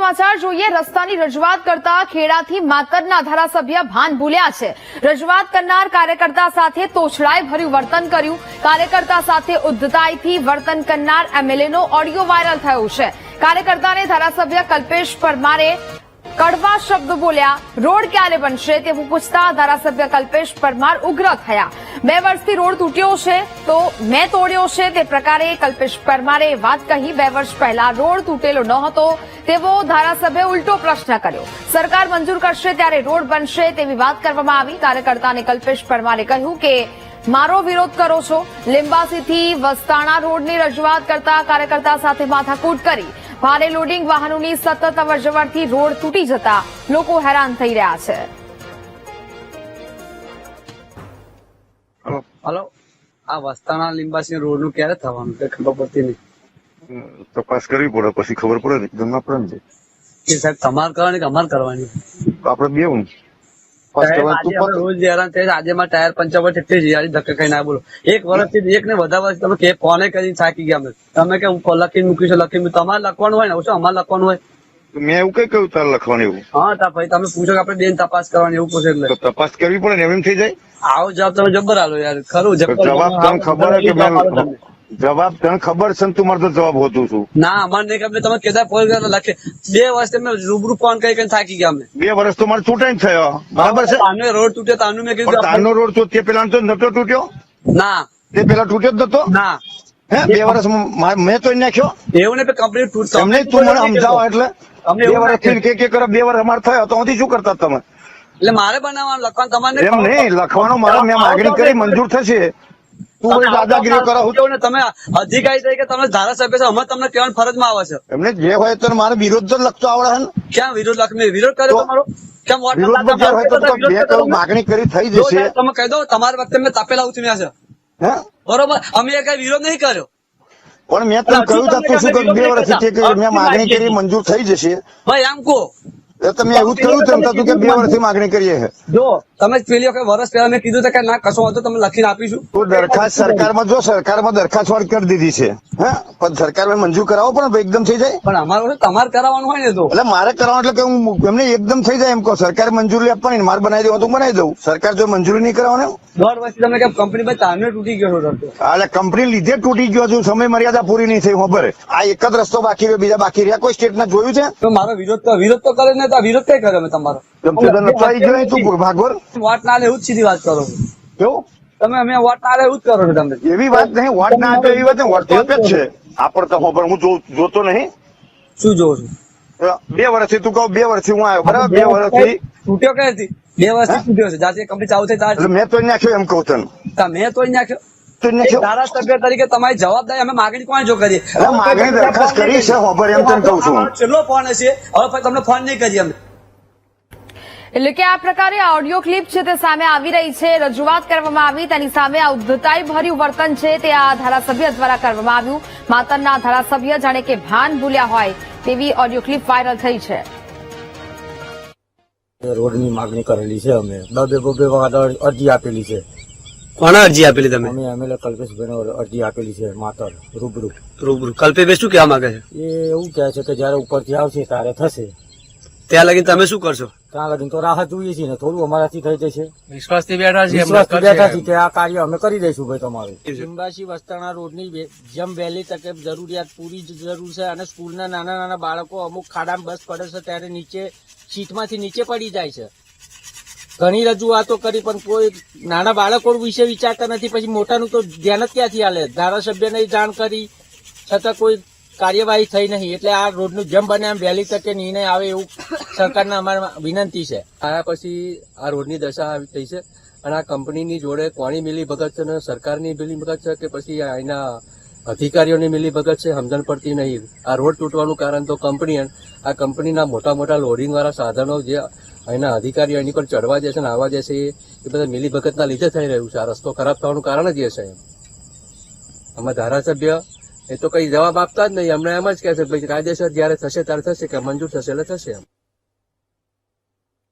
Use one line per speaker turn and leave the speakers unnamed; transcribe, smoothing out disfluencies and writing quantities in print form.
સમાચાર જોઈએ। રસ્તાની રજૂઆત કરતા ખેડાથી માતરના ધારાસભ્ય ભાન ભૂલ્યા છે। રજૂઆત કરનાર કાર્યકર્તા સાથે તોછડાઈ ભર્યું વર્તન કર્યું। કાર્યકર્તા સાથે ઉદ્ધતાઈથી વર્તન કરનાર એમએલએનો ઓડિયો વાયરલ થયો છે। કાર્યકર્તાને ધારાસભ્ય કલ્પેશ પરમારે કડવા શબ્દો બોલ્યા। રોડ ક્યારે બનશે તેવું પૂછતા ધારાસભ્ય કલ્પેશ પરમાર ઉગ્ર થયા। 2 વર્ષથી રોડ તૂટ્યો છે તો મેં તોડ્યો છે તે પ્રકારે કલ્પેશ પરમારે વાત કહી। 2 વર્ષ પહેલા રોડ તૂટેલો ન હતો તેવો ધારાસભ્ય ઉલટો પ્રશ્ન કર્યો। સરકાર મંજૂર કરશે ત્યારે રોડ બનશે તેવી વાત કરવામાં આવી। કાર્યકર્તાને કલ્પેશ પરમારે કહ્યું કે મારો વિરોધ કરો છો। લીંબાસીથી વસ્તાણા રોડની રજૂઆત કરતા કાર્યકર્તા સાથે માથાકૂટ કરી। ભારે લોડિંગ વાહનોની સતત અવરજવરથી રોડ તૂટી જતા લોકો હેરાન થઈ રહ્યા છે।
હલો, આ વસ્તાણા લીંબાસી રોડ નું ક્યારે થવાનું તે ખબર પડતી નહીં।
તપાસ કરવી પડે પછી ખબર પડે ને એકદમ ના પડે ને
કે સાહેબ તમારે કરવાની કે અમારે કરવાની?
આપડે બે હું
રોજ હેરાન થાય છે। આજે માં ટાયર પંચર પર ધક્કા ખાઈ ના બોલો। 1 વર્ષથી એક ને વધારે તમે કે ફોને કરી થાકી ગયા તમે કે હું લખીને મૂકીશું લખીને તમારે લખવાનું હોય ને શું અમારે લખવાનું હોય?
મેં એવું કઈ કહ્યું તારે લખવાનું એવું?
હા તા ભાઈ તમે પૂછો કે આપણે બેન તપાસ કરવાની એવું પૂછે એટલે
તપાસ કરવી પડે ને એમ થઈ જાય।
આવો જવાબ તમે જબ્બર આલો યાર ખરું
જવાબ તને ખબર કે જવાબ તને ખબર છે ને તું મારે તો જવાબ હોતું છું
ના અમારે નહીં ખબર તમે કેદા ફોન લખે 2 વર્ષ તમે રૂબરૂ ફોન કરી થાકી ગયા અમે
2 વર્ષ તો મારે ચૂંટાઈ થયો બરાબર છે।
તાનો રોડ તૂટ્યો તાનું મેં કીધું
તાનો રોડ તો તે પેલા તો નતો તૂટ્યો
ના
તે પેલા તૂટ્યો જ નતો
ના
હે 2 વર્ષ મેં તો નાખ્યો
એવું ને કંપની તૂટતો
તમને તું મને સમજાવો એટલે 2 વર્ષથી કે કરો 2 વર્ષ અમારે થયો તો અહીંથી શું કરતા તમે?
એટલે મારે બનાવવાનું લખવાનું તમારે
એમ નહીં લખવાનું મારે મેં માગણી કરી મંજૂર થશે તું દાદાગીરી કરો
ને તમે અધિકારી તરીકે તમે ધારાસભ્ય છો અમે તમને કહેવાની ફરજમાં આવે છે
એમને જે હોય તો મારે વિરોધ તો લખતો આવડે ને
ક્યાં વિરોધ લખ વિરોધ કર્યો તમારો કેમ
માગણી કરી થઈ જશે
તમે કહી દો તમારા વખતે મેં તાપેલા ઉચમ્યા છે બરોબર અમે કઈ વિરોધ નહીં કર્યો
પણ મેં તને કહ્યું તું શું કરું 2 વર્ષથી મેં માગણી કરી મંજૂર થઈ જશે
ભાઈ એમ કહો
તમે એવું જ કહ્યું તું કે 2 વર્ષથી માગણી કરીએ છે
જો તમે પેલી વખત વર્ષ પહેલા મેં કીધું કે ના કશો વાંધો તમે લખીને આપીશું
તો દરખાસ્ત સરકારમાં જો સરકારમાં દરખાસ્ત વાળ કરી દીધી છે હા પણ સરકારમાં મંજૂર કરાવો પણ એકદમ થઈ જાય
પણ અમારું તમારે કરાવવાનું હોય ને તો એટલે
મારે કરાવવાનું એટલે કે હું એમને એકદમ થઈ જાય એમ કહો સરકારે મંજૂરી આપવાની મારે બનાવી દેવું તો બનાવી દઉં સરકાર જો મંજૂરી નહીં કરાવવાનું
1.5 વર્ષથી તમે કેમ કંપની ભાઈ તારને તૂટી ગયો છો
એટલે કંપની લીધે તૂટી ગયો છું સમય મર્યાદા પૂરી નહીં થઈ ખબર આ એક જ રસ્તો બાકી રહ્યો બીજા બાકી રહ્યા કોઈ સ્ટેટ ના જોયું છે
તો મારો વિરોધ તો કરે ને વિરોધ કઈ કરે તમારો
ભાગવર
વોટ ના લે એવું જ સીધી વાત કરો
કેવું
તમે અમે વોટ ના લે એવું જ કરો છો તમે
એવી વાત નહીં વોટ ના આપે એવી વાત વોટ તો આપે જ છે આપડે તો હું જોતો નહીં
શું જોઉં છું
2 વર્ષથી તું કહું 2 વર્ષથી હું આવ્યો બરાબર 2 વર્ષથી
તૂટ્યો કઈ હતી 2 વર્ષથી તૂટ્યો છે જાતે કંપની ચાલુ થઈ ત્યારે
મેં તો નાખ્યો એમ કહું તને
મેં તો નાખ્યો ધારાસભ્ય તરીકે તમારી જવાબદારી અમે માગણી કોણ જો કરીએ
માગણી દરખાસ્ત કરી છે ખબર એમ તને કહું છું
છેલ્લો ફોન હશે હવે તમને ફોન નહીં કરીએ અમે
એટલે કે આ પ્રકારે ઓડિયો ક્લિપ છે તે સામે આવી રહી છે। રજૂઆત કરવામાં આવી તેની સામે આ ઉદ્ધતાઈ ભર્યું વર્તન છે તે આ ધારાસભ્ય દ્વારા કરવામાં આવ્યું। માતરના ધારાસભ્ય જાણે કે ભાન ભૂલ્યા હોય તેવી ઓડિયો ક્લિપ વાયરલ થઈ છે।
રોડની માગણી કરેલી છે અમે 2 વખત અરજી આપેલી છે।
કોને અરજી આપેલી તમે?
અમે એમએલએ કલ્પેશભાઈને અરજી આપેલી છે માતર રૂબરૂ
કલ્પેશભાઈ શું કહેવા માંગે છે?
એ એવું કહે છે કે જયારે ઉપરથી આવશે ત્યારે થશે
ત્યાં લગીને તમે શું કરશો?
ત્યાં લગીને તો રાહત જોઈએ છીએ ને થોડું અમારાથી થઈ જશે
વિશ્વાસથી બેઠા
છીએ કે આ કાર્ય અમે કરી દઈશું ભાઈ તમારું। લીંબાસી વસ્તાણા રોડની જેમ વહેલી તકે જરૂરિયાત પૂરી જરૂર છે અને સ્કૂલના નાના બાળકો અમુક ખાડામાં બસ પડે છે ત્યારે નીચે સીટમાંથી નીચે પડી જાય છે। ઘણી રજૂઆતો કરી પણ કોઈ નાના બાળકો વિશે વિચારતા નથી પછી મોટાનું તો ધ્યાન જ ક્યાંથી હાલે। ધારાસભ્યને જાણ કરી છતાં કોઈ કાર્યવાહી થઈ નહીં એટલે આ રોડનું જેમ બને એમ વહેલી તકે નિર્ણય આવે એવું સરકારને અમારે વિનંતી છે।
આયા પછી આ રોડની દશા આવી થઈ છે અને આ કંપનીની જોડે કોની મિલી ભગત છે અને સરકારની મિલી ભગત છે કે પછી અહીંના અધિકારીઓની મિલી ભગત છે સમજણ પડતી નહીં। આ રોડ તૂટવાનું કારણ તો કંપની આ કંપનીના મોટા લોડિંગ વાળા સાધનો જે અહીંના અધિકારીઓ એની પર ચડવા જશે ને આવવા જશે એ બધા મિલી ભગતના લીધે થઈ રહ્યું છે। આ રસ્તો ખરાબ થવાનું કારણ જ એ છે। આમાં ધારાસભ્ય એ તો કઈ જવાબ આપતા જ નહીં, અમને એમ જ કહે છે ભાઈ કાયદેસર જયારે થશે ત્યારે થશે કે મંજૂર થશે એટલે થશે એમ।